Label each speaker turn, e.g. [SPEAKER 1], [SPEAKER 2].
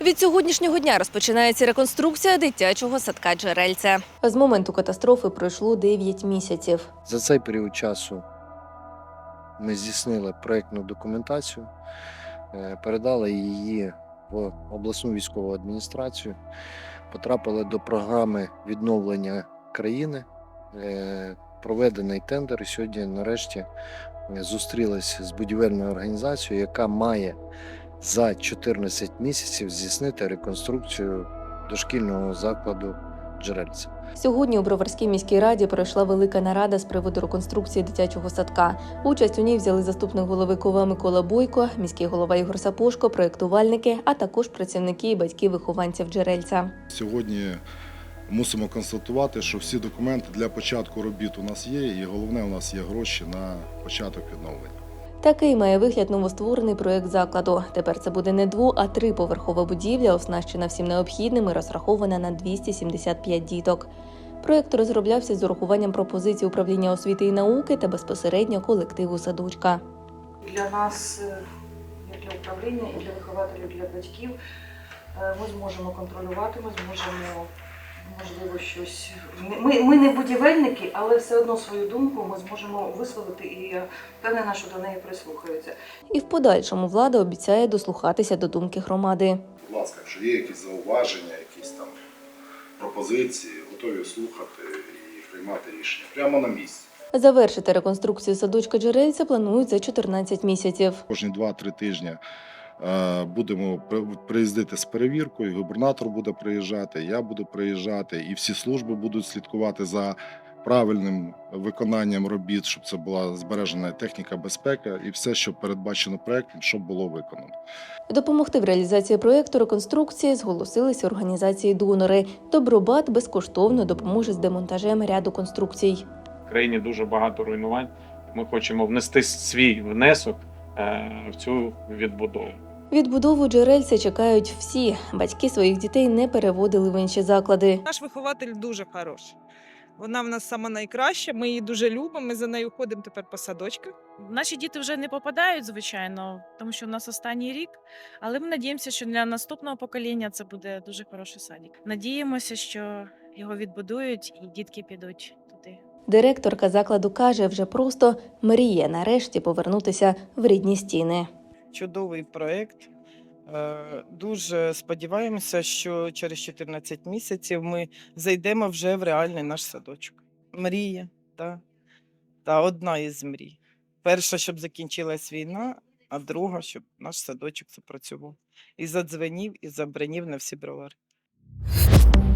[SPEAKER 1] Від сьогоднішнього дня розпочинається реконструкція дитячого садка «Джерельце». З моменту катастрофи пройшло 9 місяців.
[SPEAKER 2] За цей період часу ми здійснили проєктну документацію, передали її в обласну військову адміністрацію, потрапили до програми відновлення країни, проведений тендер і сьогодні нарешті зустрілися з будівельною організацією, яка має за 14 місяців здійснити реконструкцію дошкільного закладу «Джерельце».
[SPEAKER 1] Сьогодні у Броварській міській раді пройшла велика нарада з приводу реконструкції дитячого садка. Участь у ній взяли заступник голови КОВА Микола Бойко, міський голова Ігор Сапожко, проєктувальники, а також працівники і батьки вихованців «Джерельця».
[SPEAKER 3] Сьогодні мусимо констатувати, що всі документи для початку робіт у нас є, і головне, у нас є гроші на початок відновлення.
[SPEAKER 1] Такий має вигляд новостворений проєкт закладу. Тепер це буде не 2-, а 3-поверхова будівля, оснащена всім необхідним і розрахована на 275 діток. Проєкт розроблявся з урахуванням пропозицій управління освіти і науки та безпосередньо колективу садочка.
[SPEAKER 4] Для нас, як для управління, і для вихователів, і для батьків, ми зможемо контролювати, ми зможемо, можливо, щось... Ми не будівельники, але все одно свою думку ми зможемо висловити, і я впевнена, що до неї прислухаються.
[SPEAKER 1] І в подальшому влада обіцяє дослухатися до думки громади.
[SPEAKER 3] Будь ласка, якщо є якісь зауваження, якісь там пропозиції, готові слухати і приймати рішення прямо на місці.
[SPEAKER 1] Завершити реконструкцію садочка «Джерельце» планують за 14 місяців.
[SPEAKER 3] Кожні 2-3 тижні будемо приїздити з перевіркою, губернатор буде приїжджати, я буду приїжджати, і всі служби будуть слідкувати за правильним виконанням робіт, щоб це була збережена техніка безпеки і все, що передбачено проєктом, щоб було виконано.
[SPEAKER 1] Допомогти в реалізації проєкту реконструкції зголосилися організації-донори. Добробат безкоштовно допоможе з демонтажем ряду конструкцій.
[SPEAKER 5] В країні дуже багато руйнувань. Ми хочемо внести свій внесок в цю відбудову.
[SPEAKER 1] Відбудову «Джерельце» чекають всі. Батьки своїх дітей не переводили в інші заклади.
[SPEAKER 6] Наш вихователь дуже хороший. Вона в нас сама найкраща, ми її дуже любимо, ми за нею ходимо тепер по садочках.
[SPEAKER 7] Наші діти вже не попадають, звичайно, тому що у нас останній рік, але ми надіємося, що для наступного покоління це буде дуже хороший садик. Надіємося, що його відбудують і дітки підуть туди.
[SPEAKER 1] Директорка закладу каже, вже просто мріє нарешті повернутися в рідні стіни.
[SPEAKER 6] Чудовий проєкт. Дуже сподіваємося, що через 14 місяців ми зайдемо вже в реальний наш садочок. Мрія, та одна із мрій. Перша, щоб закінчилась війна, а друга, щоб наш садочок запрацював. І задзвенів, і забринів на всі бровари.